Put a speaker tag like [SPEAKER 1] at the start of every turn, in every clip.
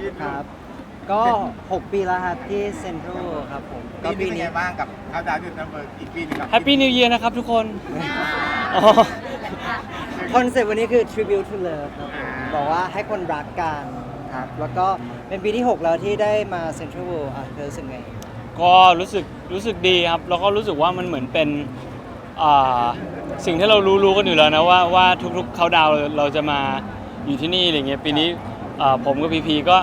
[SPEAKER 1] ครับก็6 ปีแล้วครับที่เซ็นทรัลครับผมก็
[SPEAKER 2] ปี
[SPEAKER 1] ปี
[SPEAKER 2] นี้เป็น
[SPEAKER 1] นี้
[SPEAKER 2] ไงบ้างกับเขาดาวน์จุดนัมเบอร์อีกปีนึงครับ
[SPEAKER 3] แฮปปี้นิวเยียร์นะครับทุกคนอ๋อ
[SPEAKER 1] คอนเซ็ปต์วันนี้คือ tribute to love ครับผมบอกว่าให้คนรักกันครับแล้วก็เป็นปีที่ 6 แล้วที่ได้มาเซ็นทรัลเวิลด์เธอรู้สึกไง
[SPEAKER 3] ก็รู้สึกดีครับแล้วก็รู้สึกว่ามันเหมือนเป็นอ่าสิ่งที่เรารู้กันอยู่แล้วนะว่าทุกๆเขาดาวน์เราจะมาอยู่ที่นี่อะไรเงี้ยปีนี้ผมกับพีพีก็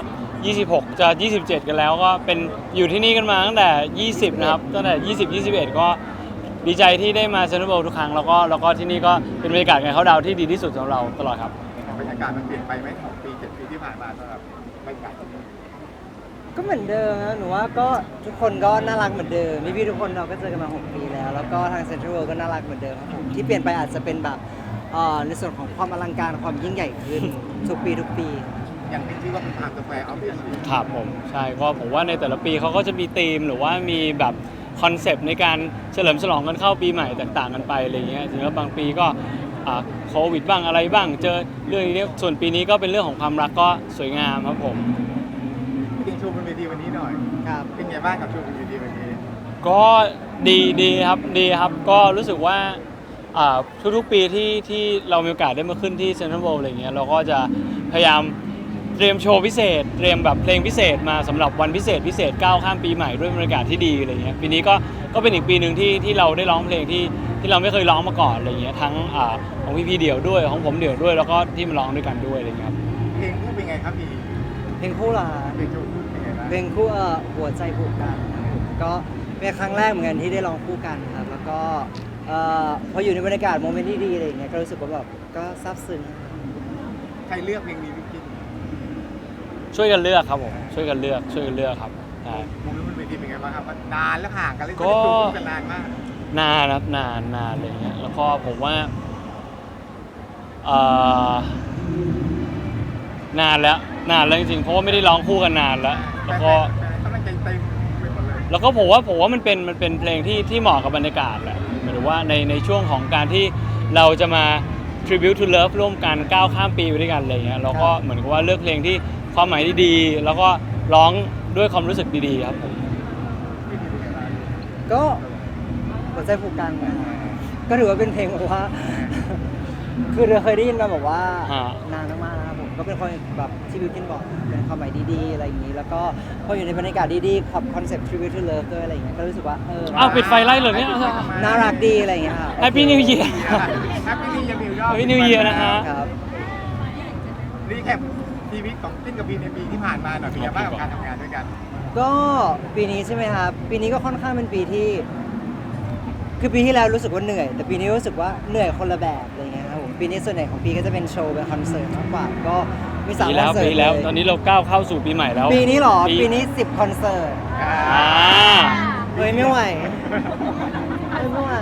[SPEAKER 3] 26จะ27กันแล้วก็เป็นอยู่ที่นี่กันมาตั้งแต่20นะครับตั้งแต่20 21ก็ดีใจที่ได้มาเซ็นทรัลเวิลด์ทุกครั้งแล้วก็ที่นี่ก็เป็นบรรยากาศการเขาดาวน์ที่ดีที่สุดสำหรับเราตลอดครับ
[SPEAKER 2] บรรยากาศมันเปลี่ยนไปไหม6 ปี 7 ปีที่ผ่านมาสำหรับบรรยากาศที่นี่
[SPEAKER 1] ก็เหมือนเดิมนะหนูว่าก็ทุกคนก็น่ารักเหมือนเดิมพี่ๆทุกคนเราก็เจอกันมา6 ปีแล้วแล้วก็ทางเซ็นทรัลเวิลด์ก็น่ารักเหมือนเดิมครับผมที่เปลี่ยนไปอาจจะเป็นแบบในส่วนของความอลังการความยิ่งใหญ่ขึ้นทุกปี
[SPEAKER 2] อย่างที่ชื่อว่าเป็นไทม์สแควร์ออฟเดอะซี
[SPEAKER 3] ครับผมใช่ก็ผมว่าในแต่ละปีเขาก็จะมีธีมหรือว่ามีแบบคอนเซปต์ในการเฉลิมฉลองกันเข้าปีใหม่แตกต่างกันไปอะไรเงี้ยถึงแล้วบางปีก็โควิดบ้างอะไรบ้างเจอเรื่องนี้ส่วนปีนี้ก็เป็นเรื่องของความรักก็สวยงามครับผม
[SPEAKER 2] จริงๆโชว์บนเวทีวันนี้หน่อย
[SPEAKER 1] ครับ
[SPEAKER 2] เป็นไงบ้างกับโชว์บนเวทีวันนี้
[SPEAKER 3] ก็ดีครับก็รู้สึกว่าทุกๆปีที่เรามีโอกาสได้มาขึ้นที่เซ็นทรัลเวิลด์อะไรเงี้ยเราก็จะพยายามเตรียมโชว์พิเศษเตรียมแบบเพลงพิเศษมาสำหรับวันพิเศษก้าวข้ามปีใหม่ด้วยบรรยากาศที่ดีอะไรเงี้ยปีนี้ก็เป็นอีกปีหนึ่งที่เราได้ร้องเพลงที่เราไม่เคยร้องมาก่อนอะไรเงี้ยทั้งของพี่เดี่ยวด้วยของผมเดี่ยวด้วยแล้วก็ที่มาร้องด้วยกันด้วยอะไรเงี้ยครับ
[SPEAKER 2] เพลงคู่เป็นไงครับพี่
[SPEAKER 1] เพลงคู่ล่ะ
[SPEAKER 2] เพลงโชว์คู่เป็นไงบ้าง
[SPEAKER 1] เพลงคู่หัวใจผูกกันครับผมก็เป็นครั้งแรกเหมือนกันที่ได้ร้องคู่กันครับแล้วก็พออยู่ในบรรยากาศโมเมนต์ที่ดีอะไรอย่างเงี้ยก็รู้สึกว่าแบบก็ซาบซึ้ง
[SPEAKER 2] ใครเลือกเพลงนี้พี่กิน
[SPEAKER 3] ช่วยกันเลือกครับผมช่วยกันเลือกครับใช่
[SPEAKER 2] มุมนู้นบนเวทีเป็นไงบ้างครับมันนานแล้วห่างกันเลย
[SPEAKER 3] ก็
[SPEAKER 2] ไม่ได้โชว์คู่กันนานมาก
[SPEAKER 3] นานครับนานอะไรเงี้ยแล้วก็ผมว่านานแล้วจริงๆเพราะว่าไม่ได้ร้องคู่กันนานแล้วแล้วก็
[SPEAKER 2] กำลังใจเต็มไปหมดเลย
[SPEAKER 3] แล้วก็ผมว่ามันเป็นเพลงที่เหมาะกับบรรยากาศแหละหมายถึงว่าในช่วงของการที่เราจะมา tribute to love ร่วมกันก้าวข้ามปีไปด้วยกันอะไรเงี้ยเราก็เหมือนกับว่าเลือกเพลงที่ความหมายดีๆแล้วก็ร้องด้วยความรู้สึกดีๆครับผม
[SPEAKER 2] พี่กินเป็นไงบ้าง
[SPEAKER 1] ก็หัวใจผูกกันนะครับก็ถือว่าเป็นเพลงแบบว่า คือเราเคยได้ยินมาบอกว่า
[SPEAKER 3] ฮะ
[SPEAKER 1] นานมากๆนะครับผมก็เป็นคนแบบที่บิวกินบอกเป็นความหมายดีๆอะไรอย่างนี้ แล้วก็พออยู่ในบรรยากาศดีๆคอนเซ็ปต์ tribute to love ด้วยอะไรอย่างเงี้ยก็รู้สึกว่า
[SPEAKER 3] อ้าวปิดไฟไล่เลยเนี่ย
[SPEAKER 1] น่ารักดีอะไรอย่างเงี้ยครับ
[SPEAKER 3] Happy New Year
[SPEAKER 2] แฮปปี้นิวเยียร์
[SPEAKER 3] Happy New Year นะฮะ
[SPEAKER 1] ครับ
[SPEAKER 2] รีแคปชีวิตของติ้นกับบีในปีที่ผ่านมาหน่อยเป็นไงบ้างกับการทำงานด้วยกัน
[SPEAKER 1] ก็ปีนี้ใช่ไหมครับปีนี้ก็ค่อนข้างเป็นปีที่คือปีที่แล้วรู้สึกว่าเหนื่อย แต่ปีนี้รู้สึกว่าเหนื่อยคนละแบบอะไรเงี้ยครับผมปีนี้ส่วนใหญ่ของปีก็จะเป็นโชว์เป็นคอนเสิร์ตมากกว่าก็มี3 ค
[SPEAKER 3] ปี
[SPEAKER 1] อน
[SPEAKER 3] แล้ว
[SPEAKER 1] เสิร์ต
[SPEAKER 3] ปีแล้ว
[SPEAKER 1] เลย
[SPEAKER 3] ตอนนี้เราก้าวเข้าสู่ปีใหม่แล้ว
[SPEAKER 1] ปีนี้เหรอปีนี้10 คอนเสิร์ต
[SPEAKER 3] อ่า
[SPEAKER 1] เฮ้ยไม่ไหวไม่ไหว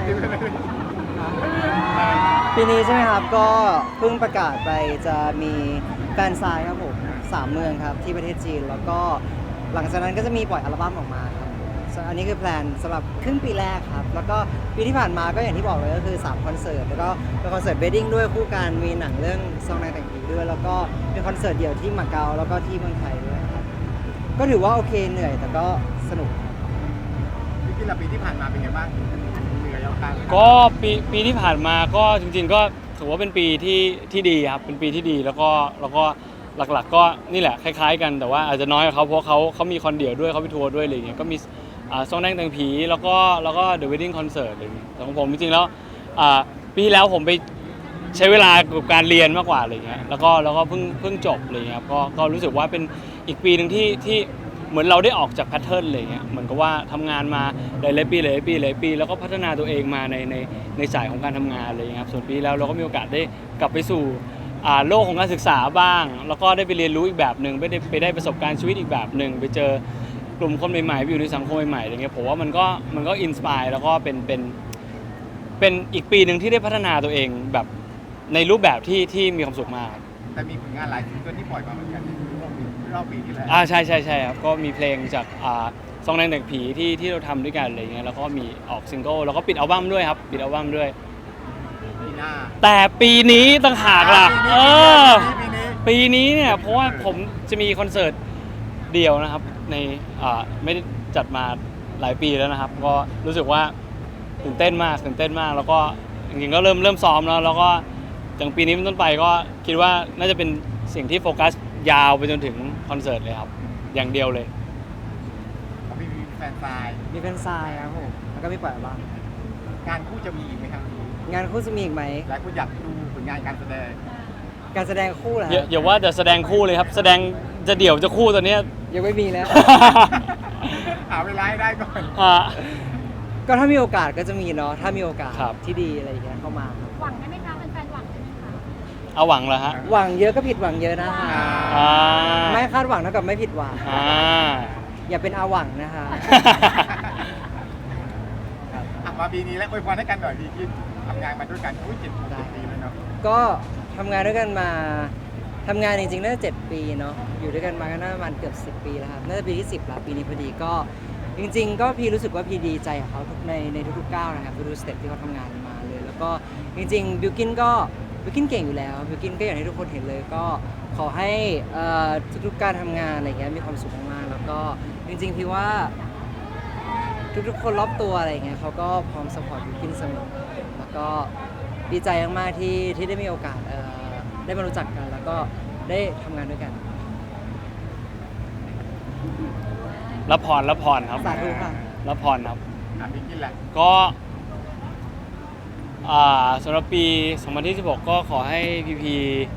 [SPEAKER 1] ปีนี้ใช่ไหมครับก็เพิ่งประกาศไปจะมีแฟนซายครับผม3 เมืองครับที่ประเทศจีนแล้วก็หลังจากนั้นก็จะมีปล่อยอัลบั้มออกมาครับอันนี้คือแพลนสำหรับครึ่งปีแรกครับแล้วก็ปีที่ผ่านมาก็อย่างที่บอกเลยก็คือ3 คอนเสิร์ตแล้วก็เป็นคอนเสิร์ตเวดดิ้งด้วยคู่กันมีหนังเรื่องซองนางแต่งผีด้วยแล้วก็เป็นคอนเสิร์ตเดี่ยวที่มาเก๊าแล้วก็ที่เมืองไทยด้วยครับก็ถือว่าโอเคเหนื่อยแต่ก็สนุก
[SPEAKER 2] พี่กินละปีที่ผ่านมาเป็นไงบ้างเหนื่อยยาวกลาง
[SPEAKER 3] ก็ปีที่ผ่านมาก็จริงๆก็ถือว่าเป็นปีที่ดีครับเป็นปีที่ดีแล้วก็หลักๆก็นี่แหละคล้ายๆกันแต่ว่าอาจจะน้อยกว่าเขาเพราะเขามีคอนเดี่ยวด้วยเขาไปทัวร์ด้วยอะไรอย่างเงี้ยก็มีซองแดงแต่งผีแล้วก็The Wedding Concert อะไรอย่างเงี้ยแต่ของผมจริงๆแล้วปีที่แล้วผมไปใช้เวลากับการเรียนมากกว่าอะไรอย่างเงี้ยแล้วก็เพิ่งจบอะไรอย่างเงี้ยครับก็รู้สึกว่าเป็นอีกปีหนึ่งที่เหมือนเราได้ออกจากแพทเทิร์นอะไรอย่างเงี้ยเหมือนกับว่าทำงานมาหลายปีแล้วก็พัฒนาตัวเองมาในสายของการทำงานอะไรอย่างเงี้ยครับส่วนปีแล้วเราก็มีโอกาสได้กลับไปสู่โลกของการศึกษาบ้างแล้วก็ได้ไปเรียนรู้อีกแบบหนึ่งไปได้ประสบการณ์ชีวิตอีกแบบหนึ่งไปเจอกลุ่มคนใหม่ๆไปอยู่ในสังคมใหม่ๆอะไรเงี้ยผมว่ามันก็อินสปายแล้วก็เป็นอีกปีหนึ่งที่ได้พัฒนาตัวเองแบบในรูปแบบที่มีความสุขมาก
[SPEAKER 2] แต่มีผลงานหลายซิงเกิลที่ปล่อยมาเหมือนกันรอบปีที่แล้ว
[SPEAKER 3] ใช่ครับก็มีเพลงจากซองแดงแต่งผีที่เราทำด้วยกันอะไรเงี้ยแล้วก็มีออกซิงเกิลแล้วก็ปิดอัลบั้มด้วยครับปิดอัลบั้มด้วย
[SPEAKER 2] ปีหน้า
[SPEAKER 3] แต่ปีนี้ต่างหากล่ะ
[SPEAKER 2] ปีนี้
[SPEAKER 3] ปีนี้เนี่ยเพราะว่าผมจะมีคอนเสิร์ตเดียวนะครับในไม่ได้จัดมาหลายปีแล้วนะครับก็รู้สึกว่าตื่นเต้นมากแล้วก็จริงๆก็เริ่มซ้อมแล้วก็จากปีนี้เป็นต้นไปก็คิดว่าน่าจะเป็นสิ่งที่โฟกัสยาวไปจนถึงคอนเสิร์ตเลยครับอย่างเดียวเลย
[SPEAKER 2] ของพี่มีแฟนซาย
[SPEAKER 1] มีแฟนซายครับผมแล้วก็มีปล่อยอัลบั้ม
[SPEAKER 2] งานคู่จะมีอีกไหมครับ
[SPEAKER 1] งานคู่จะมีอีกไหม
[SPEAKER 2] หลายคนอยากดูผลงานการแสดง
[SPEAKER 1] การแสดงคู่เหรอ
[SPEAKER 3] อย่าว่าแต่แสดงคู่เลยครับแสดงจะเดี่ยวจะคู่ตอนเนี้ย
[SPEAKER 1] ยังไม่มีแล้ว
[SPEAKER 2] หาเวลาให้ได้ก่อน
[SPEAKER 3] อ่า
[SPEAKER 1] ก็ถ้ามีโอกาสก็จะมีเนาะถ้ามีโอกาส
[SPEAKER 3] ครับ
[SPEAKER 1] ที่ดีอะไรอย่างเงี้ยเข้ามาครับ
[SPEAKER 4] หวังได้ไหมคะแฟนๆหวังได้ไหมคะ
[SPEAKER 3] เอาหวังเหรอฮะ
[SPEAKER 1] หวังเยอะก็ผิดหวังเยอะนะคะ
[SPEAKER 3] อ่า
[SPEAKER 1] ไม่คาดหวังเท่ากับไม่ผิดหวัง
[SPEAKER 3] อ่า
[SPEAKER 1] อย่าเป็นอาหวังนะคะ
[SPEAKER 2] มาปีนี้แล้วอวยพรให้กันหน่อยพี่คิดทำงานมาด้วยกันอุ้ย7 ปีแล้วเนาะ
[SPEAKER 1] ก็ทำงานด้วยกันมาทำงานจริงๆน่าจะ7 ปีเนาะอยู่ด้วยกันมาก็น่าประมาณเกือบ10 ปีแล้วครับน่าจะปีที่10ละปีนี้พอดีก็จริงๆ ก็พี่รู้สึกว่าพี่ดีใจกับเขาในทุกๆก้าวนะครับทุกๆสเต็ปที่เขาทำงานมาเลย แล้วก็จริงๆบิวกินเก่งอยู่แล้วบิวกินก็อย่างที่ทุกคนเห็นเลยก็ขอให้ทุกๆการทำงานอะไรเงี้ยมีความสุขมากๆแล้วก็จริงๆพี่ว่า ทุกๆคนรอบตัวอะไรเงี้ยเขาก็พร้อมสปอร์ตบิวกินเสมอแล้วก็ดีใจมากๆที่ได้มีโอกาสได้มารู้จักกัน แล้วก็ได้ทำงานด้วยกัน
[SPEAKER 3] รับพรครับ
[SPEAKER 1] สาธุค่ะ
[SPEAKER 3] รับพรครับ
[SPEAKER 2] พี่คิดแหละ
[SPEAKER 3] ก็สำหรับปี 2016 ก็ขอให้พีพี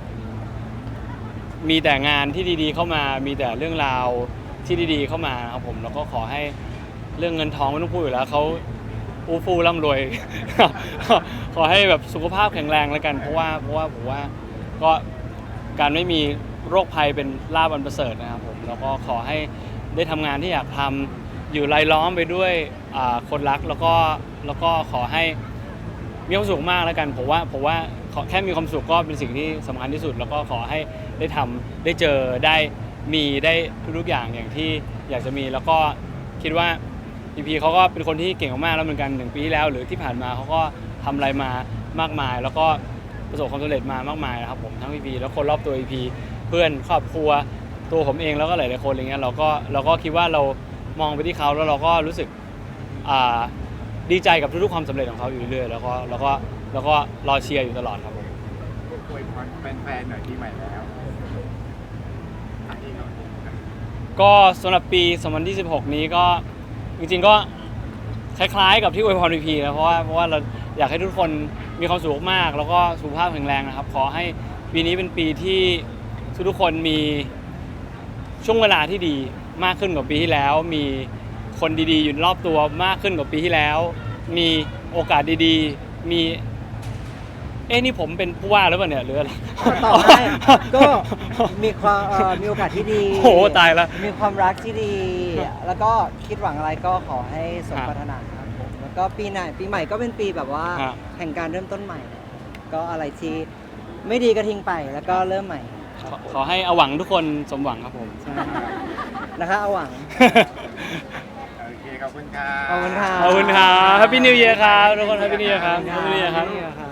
[SPEAKER 3] มีแต่งานที่ดีๆเข้ามา มีแต่เรื่องราวที่ดีๆเข้ามาครับผมแล้วก็ขอให้เรื่องเงินทองไม่ต้องพูดอยู่แล้วเขาอู้ฟู่ร่ำรวย ขอให้แบบสุขภาพแข็งแรงแล้วกันเพราะว่าผมว่าก็การไม่มีโรคภัยเป็นลาภอันประเสริฐนะครับผมแล้วก็ขอให้ได้ทำงานที่อยากทำอยู่รายล้อมไปด้วยคนรักแล้วก็ขอให้มีความสุขมากแล้วกันผมว่าขอแค่มีความสุขก็เป็นสิ่งที่สำคัญที่สุด แล้วก็ขอให้ได้ทำได้เจอได้มีได้ทุกๆอย่างอย่างที่อยากจะมีแล้วก็คิดว่าพีพีเขาก็เป็นคนที่เก่งมากๆแล้วเหมือนกัน1 ปีที่แล้วหรือที่ผ่านมาเขาก็ทำอะไรมามากมาย แล้วก็ประสบความสำเร็จมามากมายนะครับผมทั้งพีพีแล้วคนรอบตัวพีพีเพื่อนครอบครัวตัวผมเองแล้วก็หลายๆคนอะไรเงี้ยเราก็คิดว่าเรามองไปที่เขาแล้วเราก็รู้สึกดีใจกับทุกๆความสำเร็จของเขาอยู่เรื่อยๆแล้วก็รอเชียร์อยู่ตลอดครับผม
[SPEAKER 2] อวยพรแฟนๆหน่อยปีใหม่แล้วอีกหน่อย
[SPEAKER 3] ก็สำหรับปี 2016 นี้ก็จริงๆก็คล้ายๆกับที่อวยพรพีพีนะเพราะว่าเราอยากให้ทุกคนมีความสุขมากแล้วก็สุขภาพแข็งแรงนะครับขอให้ปีนี้เป็นปีที่ทุกคนมีช่วงเวลาที่ดีมากขึ้นกว่าปีที่แล้วมีคนดีๆอยู่รอบตัวมากขึ้นกว่าปีที่แล้วมีโอกาสดีๆมีนี่ผมเป็นผู้ว่าหรือเปล่าเนี่ยหรืออะไร
[SPEAKER 1] ต่อให้ก็มีความมีโอกาสที่ดี
[SPEAKER 3] โอ้โหตายแล้ว
[SPEAKER 1] มีความรักที่ดี แล้วก็คิดหวังอะไรก็ขอให้สมปรารถนาครับผมแล้วก็ปีใหม่ก็เป็นปีแบบว่า
[SPEAKER 3] ฮะ
[SPEAKER 1] แห่งการเริ่มต้นใหม่ ก็อะไรที่ไม่ดีก็ทิ้งไปแล้วก็เริ่มใหม่
[SPEAKER 3] ขอให้เอาหวังทุกคนสมหวังครับผม
[SPEAKER 1] ใช่นะคะเอาหวัง
[SPEAKER 2] โอเคขอบคุณครับ
[SPEAKER 1] ขอบคุณค่ะ
[SPEAKER 3] ขอบคุณครับ Happy New Year ครับทุกคน Happy New Year ครับ Happy New Year ครับ
[SPEAKER 1] Happy New Year ครับ